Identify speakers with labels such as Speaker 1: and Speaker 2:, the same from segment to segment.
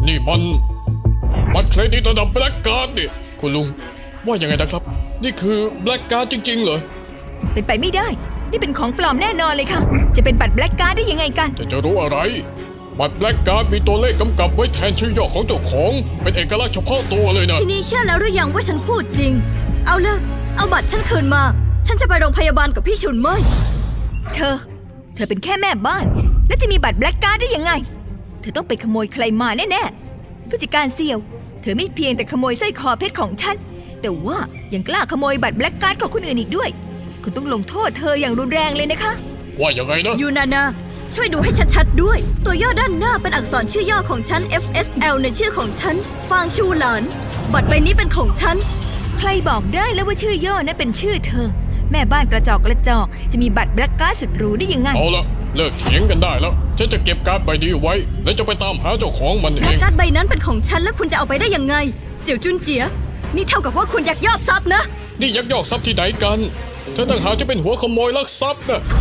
Speaker 1: นี่มันบัตรเครดิตระดับแบล็กการ์ดนี่คุณลุงว่ายังไงนะครับนี่คือแบล็กการ์ดจริงๆเหรอ
Speaker 2: เป็นไปไม่ได้นี่เป็นของปลอมแน่นอนเลยค่ะจะเป็นบัตรแบล็กการ์ดได้ยังไงกัน
Speaker 1: จะรู้อะไรบัตรแบล็กการ์ดมีตัวเลขกำกับไว้แทนชื่อย่อของเจ้าของเป็นเอกลักษณ์เฉพาะตัวเลยนะ
Speaker 3: ทีนี้เชื่อแล้วหรือยังว่าฉันพูดจริงเอาบัตรฉันคืนมาฉันจะไปโรงพยาบาลกับพี่ชุนเมย
Speaker 2: เธอเป็นแค่แม่บ้านแล้วจะมีบัตรแบล็กการ์ดได้ยังไงเธอต้องไปขโมยใครมาแน่ๆผู้จัดการเสี่ยวเธอไม่เพียงแต่ขโมยสร้อยคอเพชรของฉันแต่ว่ายังกล้าขโมยบัตรแบล็กการ์ดของคนอื่นอีกด้วยคุณต้องลงโทษเธออย่างรุนแรงเลยนะคะ
Speaker 1: ว่ายังไงนะ
Speaker 3: ยูนานาช่วยดูให้ชัดๆด้วยตัวย่อด้านหน้าเป็นอักษรชื่อย่อของฉัน FSL ในชื่อของฉันฟางชูหลานบัตรใบนี้เป็นของฉัน
Speaker 2: ใครบอกได้แล้วว่าชื่อย่อนั้นเป็นชื่อเธอแม่บ้านกระจอกจะมีบัตรแบล็กการ์ดสุดหรูได้ยังไง
Speaker 1: เอาละเลิกเถียงกันได้แล้วฉันจะเก็บการ์ดใบนี้ไว้และจะไปตามหาเจ้าของมันเอง
Speaker 3: การ์ดใบนั้นเป็นของฉันแล้วคุณจะเอาไปได้ยังไงเสี่ยวจุนเจี๋ยนี่เท่ากับว่าคุณยักยอกทรัพย์นะ
Speaker 1: นี่ยักยอกทรัพย์ที่ไหนกันเธอต่างหากจะเป็นหัวขโมยลักทรัพย์นะ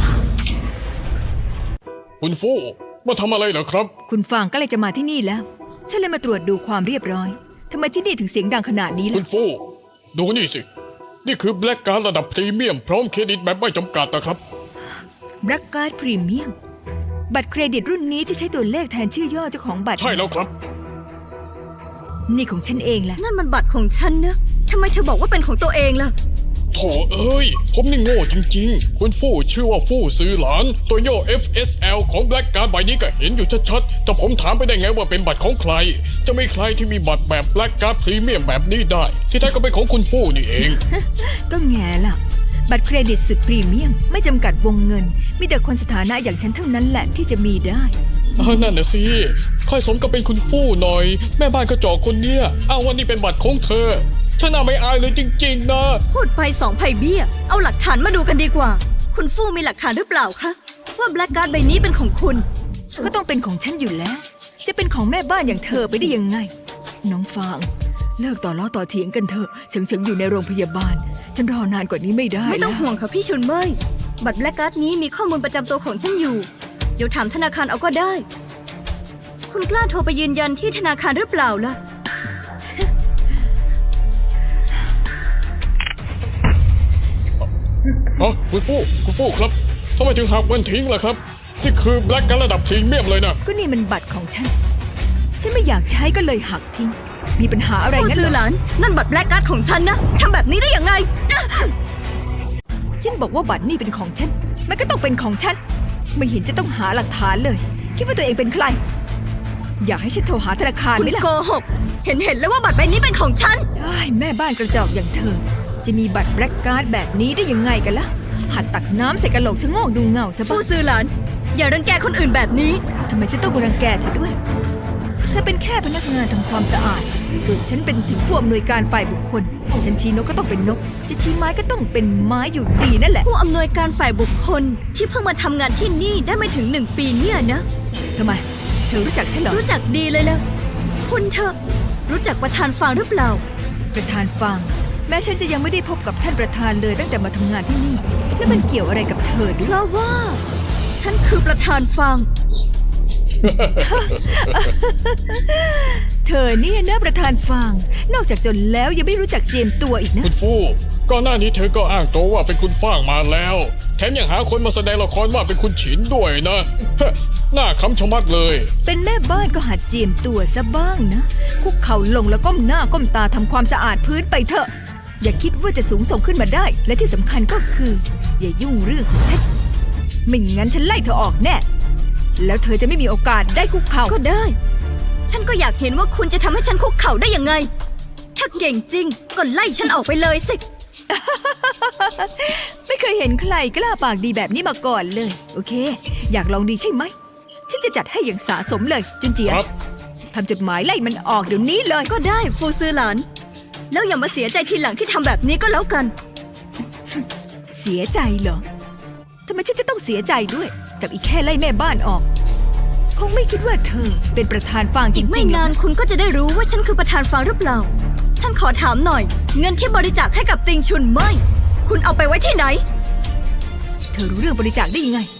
Speaker 1: คุณฟู่มาทำอะไรเหรอครับ
Speaker 2: คุณฟางก็เลยจะมาที่นี่แล้วฉันเลยมาตรวจดูความเรียบร้อยทำไมที่นี่ถึงเสียงดังขนาดนี้ล่ะ
Speaker 1: คุณฟู่ดูนี่สินี่คือแบล็กการ์ดระดับพรีเมียมพร้อมเครดิตแบบไม่จำกัดนะครับ
Speaker 2: แบล็กการ์ดพรีเมียมบัตรเครดิตรุ่นนี้ที่ใช้ตัวเลขแทนชื่อย่อเจ้าของบัตร
Speaker 1: ใช่แล้วครับ
Speaker 2: นี่ของฉันเองแหละ
Speaker 3: นั่นมันบัตรของฉันนะทำไมเธอบอกว่าเป็นของตัวเองล่ะ
Speaker 1: โถเอ้ยผมนี่โง่จริงๆคุณฟู่ชื่อว่าฟู่ซื้อหลานตัวย่อ FSL ของแบล็กการ์ดใบนี้ก็เห็นอยู่ชัดๆแต่ผมถามไปได้ไงว่าเป็นบัตรของใครจะไม่ใครที่มีบัตรแบบแบล็กการ์ดพรีเมียมแบบนี้ได้ที่แท้ก็เป็นของคุณฟู่นี่เอง
Speaker 2: ก็แง่ล่ะบัตรเครดิตสุดพรีเมียมไม่จำกัดวงเงินมีแต่คนสถานะอย่างฉันเท่านั้นแหละที่จะมีได้
Speaker 1: นั่นน่ะสิค่อยสมกับเป็นคุณฟู่หน่อยแม่บ้านกระจอกคนเนี้ยอ้างว่านี่เป็นบัตรของเธอฉันน่าไม่อายเลยจริงๆนะ
Speaker 3: พูดไป2 ไผ่เบี้ยเอาหลักฐานมาดูกันดีกว่าคุณฟู่มีหลักฐานหรือเปล่าคะว่าแบล็กการ์ดใบนี้เป็นของคุณ
Speaker 2: ก็ต้องเป็นของฉันอยู่แล้วจะเป็นของแม่บ้านอย่างเธอไปได้ยังไงน้องฟางเลิกต่อล้อต่อเถียงกันเถอะเฉิงอยู่ในโรงพยาบาลฉันรอนานกว่านี้ไม่ได้
Speaker 3: ไม่ต้องห่วงค่ะพี่ชุนเมยบัตรแบล็กการ์ดนี้มีข้อมูลประจำตัวของฉันอยู่เดี๋ยวถามธนาคารเอาก็ได้คุณกล้าโทรไปยืนยันที่ธนาคารหรือเปล่าล่ะ
Speaker 1: คุณฟู่ครับทำไมถึงหักมันทิ้งล่ะครับนี่คือแบล็กการ์ดระดับพรีเมียมเลยนะ
Speaker 2: ก็นี่มันบัตรของฉันไม่อยากใช้ก็เลยหักทิ้งมีปัญหาอะไรงั้น
Speaker 3: เหรอฟู่ซื้อหลานนั่นบัตรแบล็กการ์ดของฉันนะทำแบบนี้ได้ยังไง
Speaker 2: ฉันบอกว่าบัตรนี่เป็นของฉันมันก็ต้องเป็นของฉันไม่เห็นจะต้องหาหลักฐานเลยคิดว่าตัวเองเป็นใครอยากให้ฉันโทรหาธนาคารไหมล่ะ
Speaker 3: คุณโกหกเห็นแล้วว่าบัตรใบนี้เป็นของฉัน
Speaker 2: แม่บ้านกระจอกอย่างเธอจะมีบัตรแบล็กการ์ดแบบนี้ได้ยังไงกันล่ะหัดตักน้ำใส่กระโหลกชะโงกดูเงาซะบ้าง
Speaker 3: ฟู่ซื้อหลานอย่ารังแกคนอื่นแบบนี้
Speaker 2: ทำไมฉันต้องรังแกเธอด้วยเธอเป็นแค่พนักงานทำความสะอาดส่วนฉันเป็นถึงผู้อำนวยการฝ่ายบุคคลฉันชี้นกก็ต้องเป็นนกจะชี้ไม้ก็ต้องเป็นไม้อยู่ดีนั่นแหละ
Speaker 3: ผู้อำนวยการฝ่ายบุคคลที่เพิ่งมาทำงานที่นี่ได้ไม่ถึง1 ปีเนี่ยนะ
Speaker 2: ทำไมเธอรู้จักฉันเหรอ
Speaker 3: รู้จักดีเลยนะคุณเธอรู้จักประธานฟางหรือเปล่า
Speaker 2: ประธานฟางแม้ฉันจะยังไม่ได้พบกับท่านประธานเลยตั้งแต่มาทำงานที่นี่แล้วมันเกี่ยวอะไรกับเธอด้วย
Speaker 3: เพราะว่าฉันคือประธานฟาง
Speaker 2: เธอเนี่ยนะประธานฟางนอกจากจนแล้วยังไม่รู้จักเจียมตัวอีกนะ
Speaker 1: คุณฟู่ก่อนหน้านี้เธอก็อ้างตัวว่าเป็นคุณฟางมาแล้วแถมยังหาคนมาแสดงละครว่าเป็นคุณฉินด้วยนะหน้าคำชะมัดเลย
Speaker 2: เป็นแม่บ้านก็หัดเจียมตัวซะบ้างนะคุกเข่าลงแล้วก้มหน้าก้มตาทำความสะอาดพื้นไปเถอะอย่าคิดว่าจะสูงส่งขึ้นมาได้และที่สำคัญก็คืออย่ายุ่งเรื่องของฉันไม่งั้นฉันไล่เธอออกแน่แล้วเธอจะไม่มีโอกาสได้คุกเข่า
Speaker 3: ก็ได้ฉันก็อยากเห็นว่าคุณจะทำให้ฉันคุกเข่าได้ยังไงถ้าเก่งจริงก็ไล่ฉันออกไปเลยสิ
Speaker 2: ไม่เคยเห็นใครกล้าปากดีแบบนี้มาก่อนเลยโอเคอยากลองดีใช่ไหมฉันจะจัดให้อย่างสะสมเลยจุนเจี๋ยทำจดหมายไล่มันออกเดี๋ยวนี้เลย
Speaker 3: ก็ได้ฟูซื้อหลานแล้วอย่ามาเสียใจทีหลังที่ทำแบบนี้ก็แล้วกัน
Speaker 2: เสียใจเหรอทำไมฉันจะต้องเสียใจด้วยกับอีกแค่ไล่แม่บ้านออกคงไม่คิดว่าเธอเป็นประธานฟางจริงๆ
Speaker 3: อีกไม่นานคุณก็จะได้รู้ว่าฉันคือประธานฟางหรือเปล่าฉันขอถามหน่อยเงินที่บริจาคให้กับติงชุนไม่คุณเอาไปไว้ที่ไหน
Speaker 2: เธอรู้เรื่องบริจาคได้ยังไง